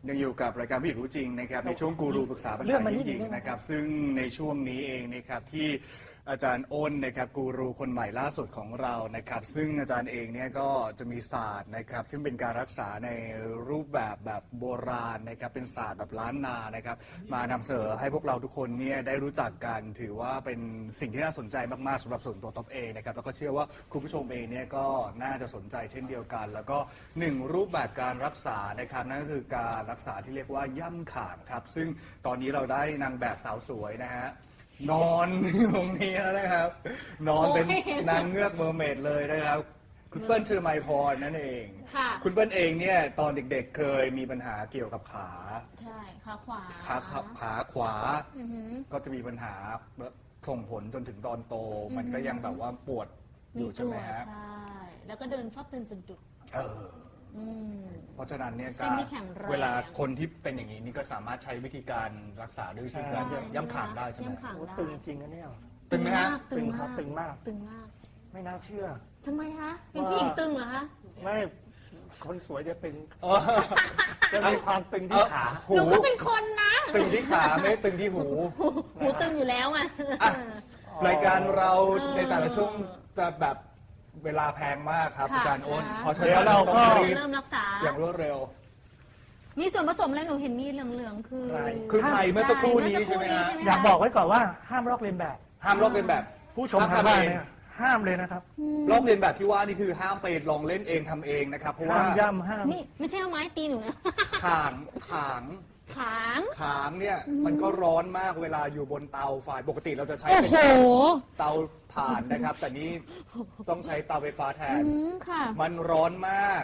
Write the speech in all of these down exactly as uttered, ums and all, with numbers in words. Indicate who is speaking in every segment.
Speaker 1: ยังอยู่กับรายการผู้หญิงรู้จริงนะครับในช่วงกูรูปรึกษาปัญหาหญิงๆนะครับซึ่งในช่วงนี้เองนะครับที่อาจารย์อ้นนะครับกูรูคนใหม่ล่าสุดของเรานะครับซึ่งอาจารย์เองเนี่ยก็จะมีศาสตร์นะครับซึ่งเป็นการรักษาในรูปแบบแบบโบราณนะครับเป็นศาสตร์แบบล้านนานะครับมานำเสนอให้พวกเราทุกคนเนี่ยได้รู้จักกันถือว่าเป็นสิ่งที่น่าสนใจมากๆสำหรับส่วนตัวท็อปเองนะครับแล้วก็เชื่อว่าคุณผู้ชมเองเนี่ยก็น่าจะสนใจเช่นเดียวกันแล้วก็หนึ่งรูปแบบการรักษานะครับนั่นก็คือการรักษาที่เรียกว่าย่ำขาดครับซึ่งตอนนี้เราได้นางแบบสาวสวยนะฮะนอนตรงนี้แล้วนะครับ นอนเป็นนางเงือกเมอร์เมดเลยนะครับ คุณเปิ้ลชื่อไมพรนั่นเองคุณเปิ้ลเองเนี่ยตอนเด็กๆเคยมีปัญหาเกี่ยวกับขา
Speaker 2: ใช่ขาขวา
Speaker 1: ขาขาขวาก็จะมีปัญหาส่งผลจนถึงตอนโต มันก็ยังแบบว่าปวดอยู่ใช่ไหมฮะ
Speaker 2: ใช่ แล้วก็เดินชอบเดินสะดุด
Speaker 1: เออเพราะฉะนั้นเนี่ยก็
Speaker 2: เว
Speaker 1: ลาคนที่เป็นอย่างนี้นี่ก็สามารถใช้วิธีการรักษาด้วยวิธีการย่ำขางได้ใช่ไหม
Speaker 3: ตึงจริงนะเนี่ย
Speaker 1: ตึงไหมฮะ
Speaker 3: ตึงครับตึงมาก
Speaker 2: ตึงมาก
Speaker 3: ไม่น่าเชื่อ
Speaker 2: ทำไมคะเป็นผู้หญิงตึงเหรอคะ
Speaker 3: ไม่คนสวยจะตึงจะมีความตึงที่ขา
Speaker 2: หนูก็เป็นคนนะ
Speaker 1: ตึงที่ขาไม่ตึงที่หู
Speaker 2: หูตึงอยู่แล้วไง
Speaker 1: รายการเราในแต่ละช่วงจะแบบเวลาแพงมากครับอาจารย์อ้นเพราะฉะนั้นเราต้องรีบ
Speaker 2: เริ่มรักษา
Speaker 1: อย่างรวดเร็ว
Speaker 2: มีส่วนผสมอะไรหนูเห็นมีเหลืองๆคือ
Speaker 1: คือไข่เมื่อสักครู่นี้ใช่ไหมฮะ
Speaker 3: อยากบอกไว้ก่อนว่าห้ามลอกเลียนแบบ
Speaker 1: ห้ามลอกเลียนแบบ
Speaker 3: ผู้ชมทางบ้านเนี่ยห้ามเลยนะครับ
Speaker 1: ลอกเลียนแบบที่ว่านี่คือห้ามไปลองเล่นเองทำเองนะครับเพราะว่า
Speaker 3: ย่ำห้าม
Speaker 2: นี่ไม่ใช่เอาไม้ตีหนูนะ
Speaker 1: ขางขาง
Speaker 2: ขาง
Speaker 1: ขางเนี่ยมันก็ร้อนมากเวลาอยู่บนเตาไฟปกติเราจะใช้เป็นเตาถ่านนะครับแต่นี้ต้องใช้เตาไฟฟ้าแทนมันร้อนมาก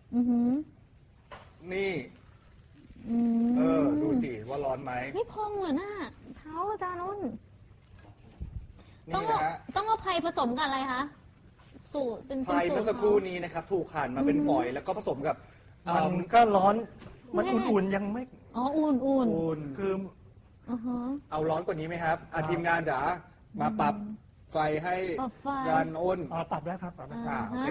Speaker 1: นี่เออดูสิว่าร้อนไหม
Speaker 2: นี่พองเหรอหน้าเท้าอาจารย์อ้น
Speaker 1: ต้อง
Speaker 2: ต้องเอาไผ่ผสมกันอะไรคะสูตรเป็น
Speaker 1: ไผ่เมื่อสักครู่นี้นะครับถูกหั่นมาเป็นฝอยแล้วก็ผสมกับ
Speaker 3: มันก็ร้อนมันอุ่นๆยังไม่
Speaker 2: อ๋ออุ่นอุ่น
Speaker 1: อุ่น
Speaker 3: คือ
Speaker 1: เอาร้อนกว่านี้ไหมครับอาทีมงานจ๋ามาปรับไฟให้จานอ้น
Speaker 3: อ๋อปรับแล้วครับปรับแล้ว
Speaker 1: อ่าโอเค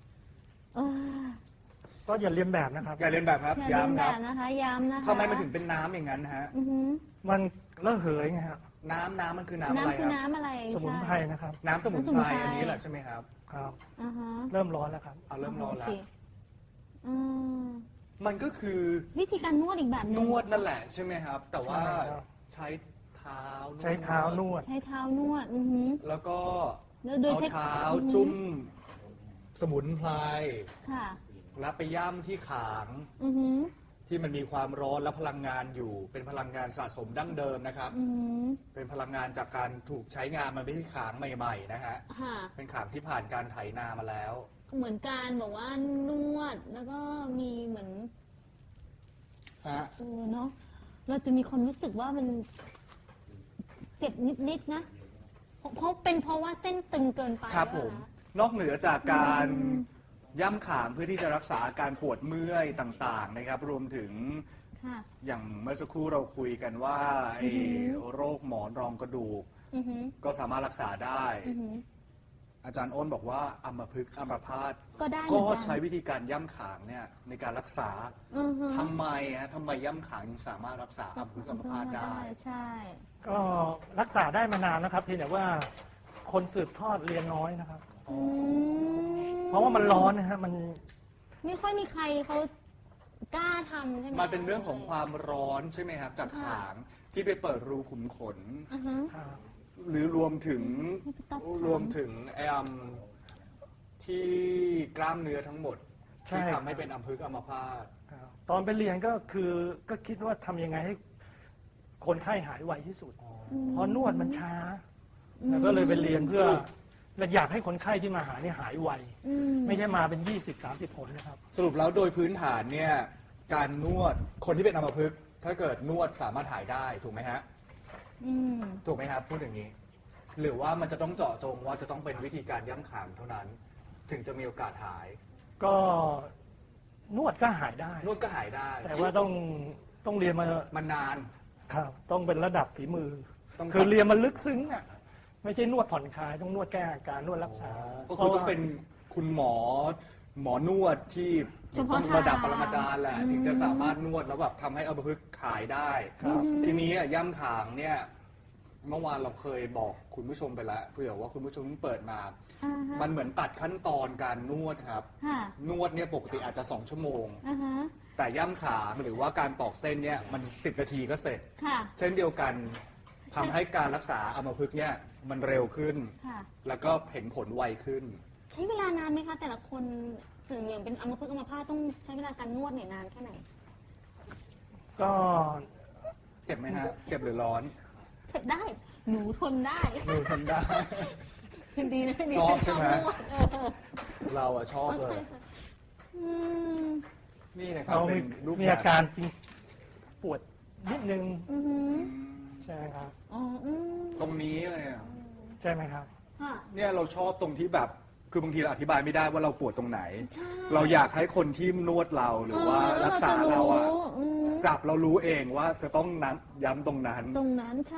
Speaker 3: ก็อย่าเลียนแบบนะครับ
Speaker 1: อย่าเลียนแบบครับย้ำครับ
Speaker 2: นะคะย้ำนะคะ
Speaker 1: ทำไมมันถึงเป็นน้ำอย่างนั้นฮะ
Speaker 3: มันระเหยไงครับ
Speaker 1: น้ำน้ำมันคือน้ำอะไรครับ
Speaker 2: น้ำอะไร
Speaker 3: สมุนไพรนะครับ
Speaker 1: น้ำสมุนไพรอันนี้แหละใช่ไหมครับ
Speaker 3: ครับเริ่มร้อนแล้วครับ
Speaker 1: เอาเริ่มร้อนแล้วมันก็คือ
Speaker 2: วิธีการนวดอีกแบบ
Speaker 1: นวดนั่นแหละใช่ไหมครับแต่ว่าใช้เท้า
Speaker 3: ใช้เท้านวด
Speaker 2: ใช้เท้านวดอือฮึ
Speaker 1: แล้วก็เอาเท้าจุ่มสมุนไพร
Speaker 2: ค่ะ
Speaker 1: แล้วไปย่ำที่ขางที่มันมีความร้อนและพลังงานอยู่เป็นพลังงานสะสมดั้งเดิมนะครับเป็นพลังงานจากการถูกใช้งานมันไม่ใช่ขางใหม่ๆนะฮะเป็นขางที่ผ่านการไถนามาแล้ว
Speaker 2: เหมือนการบอกว่านวดแล้วก็มีเหมือน
Speaker 1: ฮะ
Speaker 2: เออเนาะเราจะมีความรู้สึกว่ามันเจ็บนิดๆนะเพราะเป็นเพราะว่าเส้นตึงเกินไป
Speaker 1: ครับผมนอกเหนือจากการย่ำขางเพื่อที่จะรักษาอาการปวดเมื่อยต่างๆนะครับรวมถึงอย่างเมื่อสักครู่เราคุยกันว่าไอ้โรคหมอนรองกระดูกก็สามารถรักษาได้อาจารย์อ้นบอกว่าอัมพฤกษ์อัมพาต
Speaker 2: ก็ได้
Speaker 1: ก็ใช้วิธีการย่ำขางเนี่ยในการรักษาทำไมฮะทำไมย่ำขางยังสามารถรักษาอัมพฤกษ์อัมพาตได้
Speaker 2: ใช่
Speaker 3: ก็รักษาได้มานานนะครับเพียงแต่ว่าคนสืบทอดเรียนน้อยนะครับเพราะว่ามันร้อนนะฮะมัน
Speaker 2: ไม่ค่อยมีใครเขากล้าทำใช่ไหม
Speaker 1: มันเป็นเรื่องของความร้อนใช่ไหมครับจากขางที่ไปเปิดรูขุมขนหรือรวมถึงรวมถึงไอ้ที่กล้ามเนื้อทั้งหมดที่ทำให้เป็นอัมพฤกษ์อัมพาต
Speaker 3: ตอนไปเรียนก็คือก็คิดว่าทำยังไงให้คนไข้หายไวที่สุดเพราะนวดมันช้าแล้วก็เลยไปเรียนเพื่อและอยากให้คนไข้ที่มาหาเนี่ยหายไวไม่ใช่มาเป็นยี่สิบ สามสิบคนนะครับ
Speaker 1: สรุปแล้วโดยพื้นฐานเนี่ยการนวดคนที่เป็นอัมพฤกษ์ถ้าเกิดนวดสามารถหายได้ถูกไหมฮะถูกไหมครับพูดอย่างนี้หรือว่ามันจะต้องเจาะจงว่าจะต้องเป็นวิธีการย่ำขางเท่านั้นถึงจะมีโอกาสหาย
Speaker 3: ก็นวดก็หายได้
Speaker 1: นวดก็หายได้
Speaker 3: แต่ว่าต้องต้องเรียนม
Speaker 1: ามานาน
Speaker 3: ครับต้องเป็นระดับฝีมือคือเรียนมาลึกซึ้งอ่ะไม่ใช่นวดผ่อนคลายต้องนวดแก้อาการนวดรักษา
Speaker 1: ก็คือต้องเป็นคุณหมอหมอนวดที่
Speaker 2: เฉพาะ
Speaker 1: ต้องระดับปรมาจารย์แหละ
Speaker 2: อืม
Speaker 1: ถึงจะสามารถนวดแล้วแบบทำให้อัมพฤกษ์ขายได้
Speaker 3: ครับ
Speaker 1: ทีนี้อะย่ำขางเนี่ยเมื่อวานเราเคยบอกคุณผู้ชมไปแล้วเผื่อว่าคุณผู้ชมเพิ่งเปิดมา
Speaker 2: อ่าฮะ
Speaker 1: มันเหมือนตัดขั้นตอนการนวดครับ
Speaker 2: ค่ะ
Speaker 1: นวดเนี่ยปกติอาจจะสองชั่วโมง
Speaker 2: อ่าฮะ
Speaker 1: แต่ย่ำขางหรือว่าการตอกเส้นเนี่ยมันสิบนาทีก็เสร็จ
Speaker 2: ค่ะ
Speaker 1: เช่นเดียวกันทำให้การรักษาอัมพฤกษ์เนี่ยมันเร็วขึ้น
Speaker 2: ค่ะ
Speaker 1: แล้วก็เห็นผลไวขึ้น
Speaker 2: ใช้เวลานานไหมคะ แต่ละคนสื่อเหลืองเป็นอัมพฤกษ์อัมพาตต้องใช้เวลาการนวดเนี่ยนานแค่ไหน
Speaker 3: ก็
Speaker 1: เจ็บไหมฮะ เจ็บหรือร้อน
Speaker 2: ทนได้ หนูทนได้
Speaker 1: หนูทนได้
Speaker 2: ดีนะดี
Speaker 1: ชอบใช่ไหม
Speaker 2: นวดเออ
Speaker 1: เราอะชอบ
Speaker 2: อ๋อ
Speaker 1: เล
Speaker 2: ใช่
Speaker 1: ย
Speaker 2: ค่ะอืม
Speaker 1: นี่นะครับ
Speaker 3: เรา
Speaker 1: เป็
Speaker 3: มี
Speaker 1: นรูป
Speaker 3: มี
Speaker 1: แบบ
Speaker 3: อาการจริงปวดนิดนึง
Speaker 2: อือหือ
Speaker 3: ใช่ไหมครับ
Speaker 2: อ๋ออืม
Speaker 1: ตรงนี้เลยอะ
Speaker 3: ใช่ไหมครับ
Speaker 2: ค่ะ
Speaker 1: เนี่ยเราชอบตรงที่แบบคือบางทีเราอธิบายไม่ได้ว่าเราปวดตรงไหน
Speaker 2: ใช่
Speaker 1: เราอยากให้คนที่นวดเราหรือว่ารักษาเราอะ
Speaker 2: อืม
Speaker 1: จับเรารู้เองว่าจะต้องนัดย้ำตรงนั้น
Speaker 2: ตรงนั้นใช่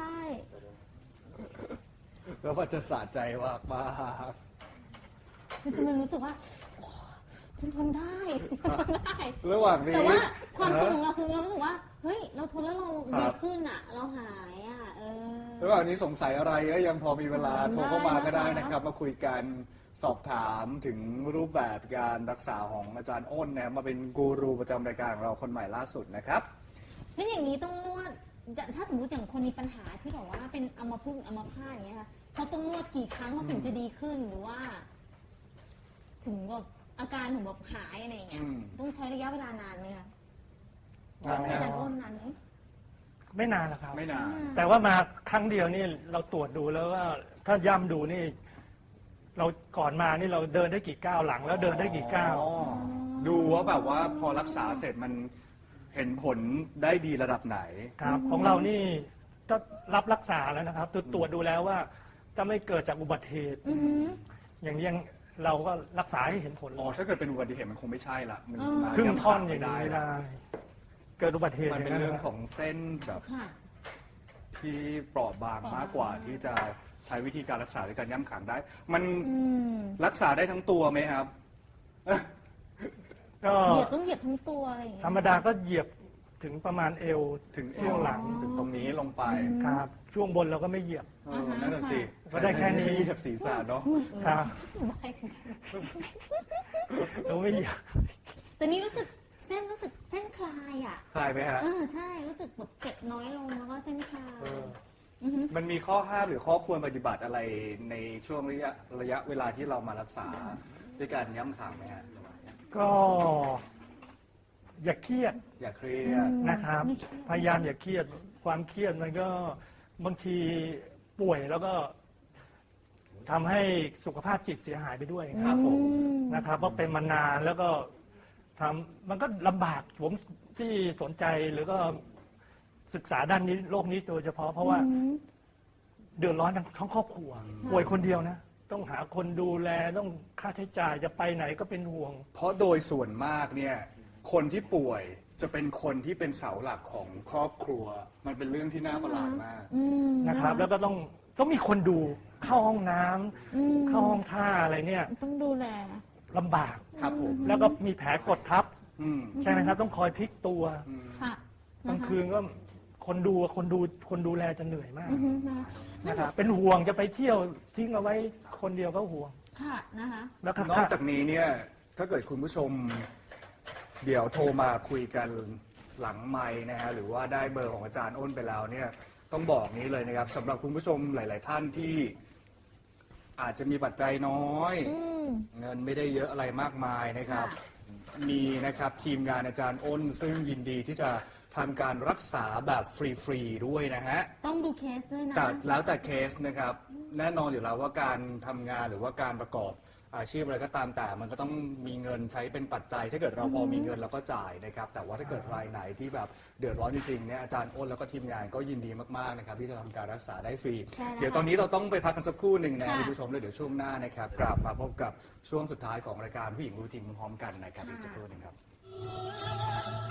Speaker 1: แล้วมันจะสะใจมากมาก
Speaker 2: มันจะมันรู้สึกว่าโอ้ฉันทนได้ทนได้
Speaker 1: ระหว่างนี้
Speaker 2: แต่ว่าความทนของเราคือเรารู้สึกว่า เฮ้ย เราทนแล้วเรา
Speaker 1: ครั
Speaker 2: ดี
Speaker 1: บ
Speaker 2: ขึ้นอ่ะ เราหายอ่ะ เออ
Speaker 1: ระหว่างนี้สงสัยอะไรก็ยังพอมีเวลาโทรเข้ามาก็ได้
Speaker 2: ได้
Speaker 1: นะครับ มาคุยกันสอบถามถึงรูปแบบการรักษาของอาจารย์อ้นนะมาเป็นกูรูประจำรายการของเราคนใหม่ล่าสุดนะครับ
Speaker 2: แล้วอย่างนี้ต้องนวดจะถ้าสมมติอย่างคนมีปัญหาที่แบบว่าเป็นอัมพฤกษ์อัมพาตอย่างเงี้ยค่ะเขาต้องนวดกี่ครั้งเขาถึงจะดีขึ้นหรือว่า ถึงแบบอาการถึงแบบหายอะไรอย่างเงี้ย
Speaker 1: อืม
Speaker 2: ต้องใช้ระยะเวลานานไหมคะ
Speaker 1: นานไหม
Speaker 2: อา
Speaker 1: ฮะ
Speaker 2: จารย์อ้นนานไหม
Speaker 3: ไม่นานนะครับ
Speaker 1: ไม่นาน
Speaker 3: แต่ว่ามาครั้งเดียวนี่เราตรวจดูแล้วว่าถ้าย่ำดูนี่ เราก่อนมานี่เราเดินได้กี่ก้าวหลัง แล้วเดินได้กี่ก้าว
Speaker 1: อ๋อดูว่าแบบว่าพอรักษาเสร็จมันเห็นผลได้ดีระดับไหน
Speaker 3: ครับ ของเรานี่ก็รับรักษาแล้วนะครับตรวจตรวจดูแล้วว่าถ้าไม่เกิดจากอุบัติเหตุ
Speaker 2: อือหือ
Speaker 3: อย่างนี้ยังเราก็รักษาให้เห็นผลเล
Speaker 1: อ๋อย ถ้าเกิดเป็นอุบัติเหตุมันคงไม่ใช่ละมัน
Speaker 2: อ๋อ
Speaker 1: มา
Speaker 3: ครึ่งท่อน
Speaker 1: ย้ำ
Speaker 3: อย่าง
Speaker 1: ไม่
Speaker 3: นี้ไม่
Speaker 1: ได้
Speaker 3: ได้ เกิดอุบัติเหตุ
Speaker 1: มันเป็น
Speaker 3: ย่า
Speaker 1: เรื่อง
Speaker 3: ะค
Speaker 1: ข
Speaker 3: บ
Speaker 1: องเส้นแบบ
Speaker 2: ค่ะ
Speaker 1: ที่เปราะบางมากกว่าที่จะใช้วิธีการรักษาด้วยการย่ำขังได้ มัน
Speaker 2: อืม
Speaker 1: รักษาได้ทั้งตัวไหมครับ
Speaker 3: ก็
Speaker 2: เหยียบต้องเหยียบทั้งตัวอะไรอย่างเงี้ย
Speaker 3: ธรรมดาก็เหยียบถึงประมาณเอว
Speaker 1: ถึง
Speaker 3: ช่วงหลัง
Speaker 1: ถึงตรงนี้ลงไป
Speaker 3: ครับ ช่วงบนเราก็ไม่เหยียบ
Speaker 1: เออนั่นน่ะสิ
Speaker 3: ก็ได้แค่นี้
Speaker 1: เหยียบศีรษะเนาะ
Speaker 3: ครับ
Speaker 2: ได้จริง
Speaker 3: เราไม่เหยียบ
Speaker 2: ๆแต่นี่รู้สึกเส้นรู้สึกเส้นคลายอ่ะ
Speaker 1: คลายไหมฮะ
Speaker 2: เออใช่รู้สึกแบบเจ็บน้อยลงแล้วก็เส้นคลาย
Speaker 1: เออ
Speaker 2: อือหือ
Speaker 1: มันมีข้อห้ามหรือข้อควรปฏิบัติอะไรในช่วงระยะระยะเวลาที่เรามารักษาด้วยการย้ำขังไหมฮะ
Speaker 3: ก็อย่าเครียด
Speaker 1: อย่าเครียด
Speaker 3: นะครับ
Speaker 2: ไม่เครียด
Speaker 3: พยายามอย่าเครียด ความเครียดมันก็บางทีป่วยแล้วก็ทำให้สุขภาพจิตเสียหายไปด้วย
Speaker 1: ครับผม
Speaker 2: อืม
Speaker 3: นะครับ เพราะเป็นมานานแล้วก็ทำมันก็ลำบากผมที่สนใจหรือก็ศึกษาด้านนี้โลกนี้โดยเฉพาะเพราะว่า
Speaker 2: อืม
Speaker 3: เดือดร้อนทั้งทั้งครอบครัว ป่วยคนเดียวนะ ต้องหาคนดูแลต้องค่าใช้จ่ายจะไปไหนก็เป็นห่วง
Speaker 1: เพราะโดยส่วนมากเนี่ย คนที่ป่วยจะเป็นคนที่เป็นเสาหลักของครอบครัว มันเป็นเรื่องที่น่าประหลาดมาก
Speaker 2: อืม
Speaker 3: นะครับ แล้วก็ต้องต้องมีคนดูเข้าห้องน้ำ
Speaker 2: อืม
Speaker 3: เข้าห้องท่าอะไรเนี่ย
Speaker 2: ต้องดูแล
Speaker 3: ลำบาก
Speaker 1: ครับผม
Speaker 3: แล้วก็มีแผลกดทับ
Speaker 1: อืม
Speaker 3: ใช่ไหมครับต้องคอยพลิกตัว
Speaker 1: อืม
Speaker 2: ค่ะ
Speaker 3: กลางคืนก็คนดูคนดูคนดูแลจะเหนื่อยมาก
Speaker 2: อือหือนะคะ
Speaker 3: นะครับเป็นห่วงจะไปเที่ยวทิ้งเอาไว้คนเดียวก็ห่วง
Speaker 2: ค่ะนะคะ
Speaker 3: แล้วก็
Speaker 1: นอกจากนี้เนี่ยถ้าเกิดคุณผู้ชม เดี๋ยวโทรมาคุยกันหลังไมค์นะฮะหรือว่าได้เบอร์ของอาจารย์อ้นไปแล้วเนี่ยต้องบอกนี้เลยนะครับสำหรับคุณผู้ชมหลาย ๆ ท่านที่อาจจะมีปัจจัยน้อย
Speaker 2: อืม
Speaker 1: เงินไม่ได้เยอะอะไรมากมายนะครับ
Speaker 2: ค่ะ
Speaker 1: มีนะครับทีมงานอาจารย์อ้น ซึ่งยินดีที่จะทำการรักษาแบบฟรี ๆ ด้วยนะฮะ
Speaker 2: ต้องดูเคสด้วยนะ
Speaker 1: แต่แล้วแต่เคสนะครับ แน่นอนอยู่แล้วว่าการทำงานหรือว่าการประกอบอาชีพอะไรก็ตามแต่มันก็ต้องมีเงินใช้เป็นปัจจัย ถ้าเกิดเราพอมีเงินเราก็จ่ายนะครับ แต่ว่าถ้าเกิดรายไหนที่แบบเดือดร้อนจริงๆเนี่ยอาจารย์อ้นแล้วก็ทีมงานก็ยินดีมากๆนะครับที่จะทำการรักษาได้ฟรี
Speaker 2: ใช่แล้ว
Speaker 1: เดี๋ยวตอนนี้เราต้องไปพักกันสักครู่หนึ่งนะ
Speaker 2: ค่ะ
Speaker 1: คุณผู้ชมแล้วเดี๋ยวช่วงหน้านะครับกลับมาพบกับช่วงสุดท้ายของรายการผู้หญิงรู้จริงพร้อมกันนะครับอีกสักครู่หนึ่งครับ